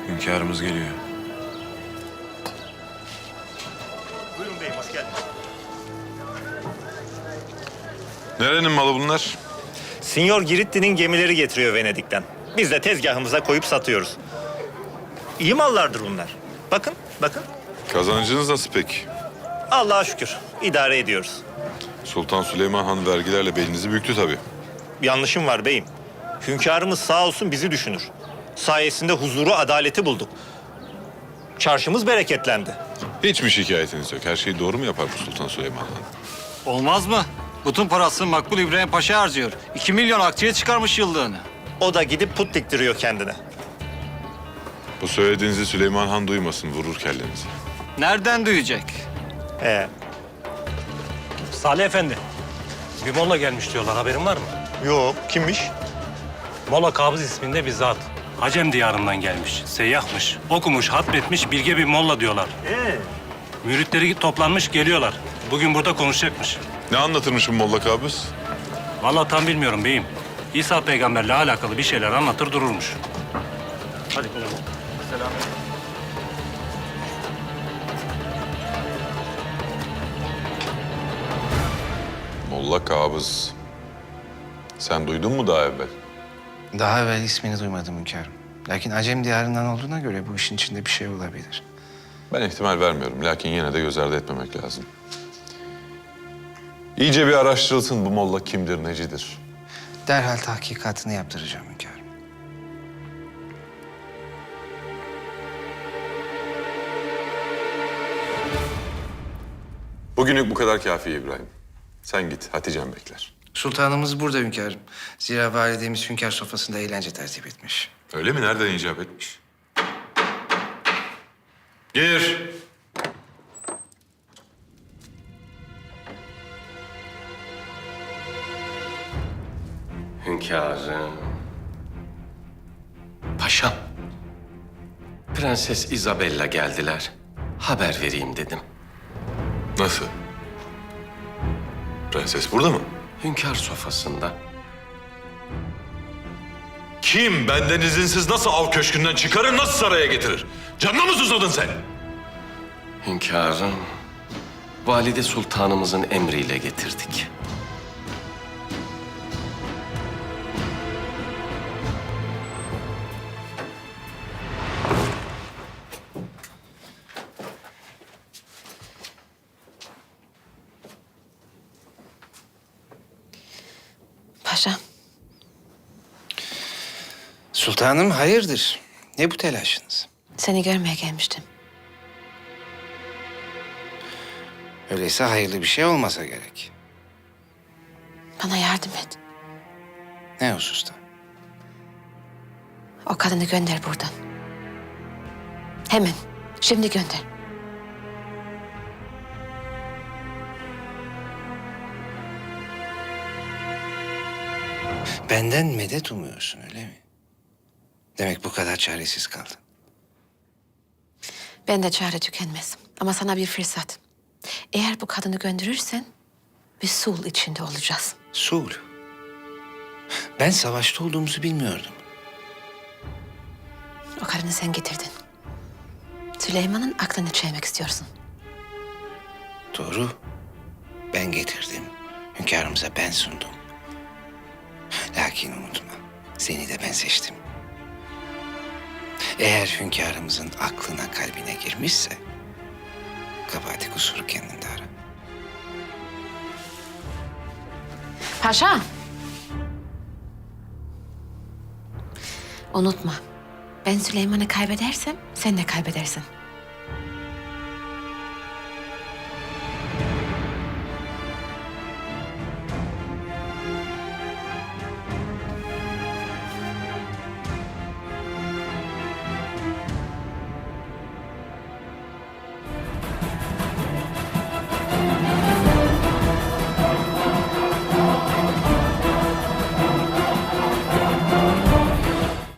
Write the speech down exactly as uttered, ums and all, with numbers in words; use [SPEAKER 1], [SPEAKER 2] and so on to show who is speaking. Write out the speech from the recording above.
[SPEAKER 1] Hünkârımız geliyor.
[SPEAKER 2] Buyurun beyim, hoş geldiniz.
[SPEAKER 1] Nerenin malı bunlar?
[SPEAKER 2] Sinyor Giritti'nin gemileri getiriyor Venedik'ten. Biz de tezgahımıza koyup satıyoruz. İyi mallardır bunlar. Bakın, bakın.
[SPEAKER 1] Kazancınız nasıl peki?
[SPEAKER 2] Allah'a şükür, idare ediyoruz.
[SPEAKER 1] Sultan Süleyman Han vergilerle belinizi büktü tabii.
[SPEAKER 2] Yanlışım var beyim. Hünkârımız sağ olsun bizi düşünür. Sayesinde huzuru, adaleti bulduk. Çarşımız bereketlendi.
[SPEAKER 1] Hiç mi şikayetiniz yok? Her şeyi doğru mu yapar bu Sultan Süleyman Han?
[SPEAKER 3] Olmaz mı? Bütün parasını Makbul İbrahim Paşa harcıyor. İki milyon akçeye çıkarmış yıllığını.
[SPEAKER 2] O da gidip put diktiriyor kendine.
[SPEAKER 1] Bu söylediğinizi Süleyman Han duymasın, vurur kellenizi.
[SPEAKER 3] Nereden duyacak?
[SPEAKER 2] Ee,
[SPEAKER 4] Salih Efendi, bir molla gelmiş diyorlar. Haberin var mı?
[SPEAKER 2] yok, kimmiş?
[SPEAKER 4] Molla Kabız isminde bir zat. Acem diyarından gelmiş. Seyyahmış. Okumuş, hatmetmiş, bilge bir molla diyorlar.
[SPEAKER 2] Ee?
[SPEAKER 4] Müritleri toplanmış geliyorlar. Bugün burada konuşacakmış.
[SPEAKER 1] Ne anlatırmış bu Molla Kabus?
[SPEAKER 4] Vallahi tam bilmiyorum beyim. İsa peygamberle alakalı bir şeyler anlatır dururmuş. Hadi kolay gelsin.
[SPEAKER 1] Molla Kabus. Sen duydun mu daha evvel?
[SPEAKER 5] Daha evvel ismini duymadım hünkârım. Lakin Acem diyarından olduğuna göre bu işin içinde bir şey olabilir.
[SPEAKER 1] Ben ihtimal vermiyorum. Lakin yine de göz ardı etmemek lazım. İyice bir araştırılsın bu Molla kimdir, necidir?
[SPEAKER 5] Derhal tahkikatını yaptıracağım hünkârım.
[SPEAKER 1] Bugünlük bu kadar kafi İbrahim. Sen git, Hatice'm bekler.
[SPEAKER 5] Sultanımız burada hünkârım. Zira validemiz hünkâr sofrasında eğlence tertip etmiş.
[SPEAKER 1] Öyle mi? Nereden icap etmiş? Gir.
[SPEAKER 6] Hünkârım. Paşam. Prenses Isabella geldiler. Haber vereyim dedim.
[SPEAKER 1] Nasıl? Prenses burada mı?
[SPEAKER 6] Hünkâr sofrasında.
[SPEAKER 1] Kim benden izinsiz nasıl av köşkünden çıkarır, nasıl saraya getirir? Canına mı susadın sen?
[SPEAKER 6] Hünkârım. Valide Sultanımızın emriyle getirdik.
[SPEAKER 7] Paşam,
[SPEAKER 5] Sultanım hayırdır? Ne bu telaşınız?
[SPEAKER 7] seni görmeye gelmiştim.
[SPEAKER 5] Öyleyse hayırlı bir şey olmasa gerek.
[SPEAKER 7] Bana yardım et.
[SPEAKER 5] Ne hususta?
[SPEAKER 7] O kadını gönder buradan. Hemen, şimdi gönder.
[SPEAKER 5] Benden medet umuyorsun öyle mi? Demek bu kadar çaresiz kaldın.
[SPEAKER 7] Ben de çare tükenmez. Ama sana bir fırsat. Eğer bu kadını gönderirsen bir sul içinde olacağız.
[SPEAKER 5] Sul. Ben savaşta olduğumuzu bilmiyordum.
[SPEAKER 7] O kadını sen getirdin. Süleyman'ın aklını çelmek istiyorsun.
[SPEAKER 5] Doğru. Ben getirdim. Hünkârımıza ben sundum. Lakin unutma, seni de ben seçtim. Eğer hünkârımızın aklına, kalbine girmişse... kabahati kusuru kendinde ara.
[SPEAKER 7] Paşa! Unutma, ben Süleyman'ı kaybedersem sen de kaybedersin.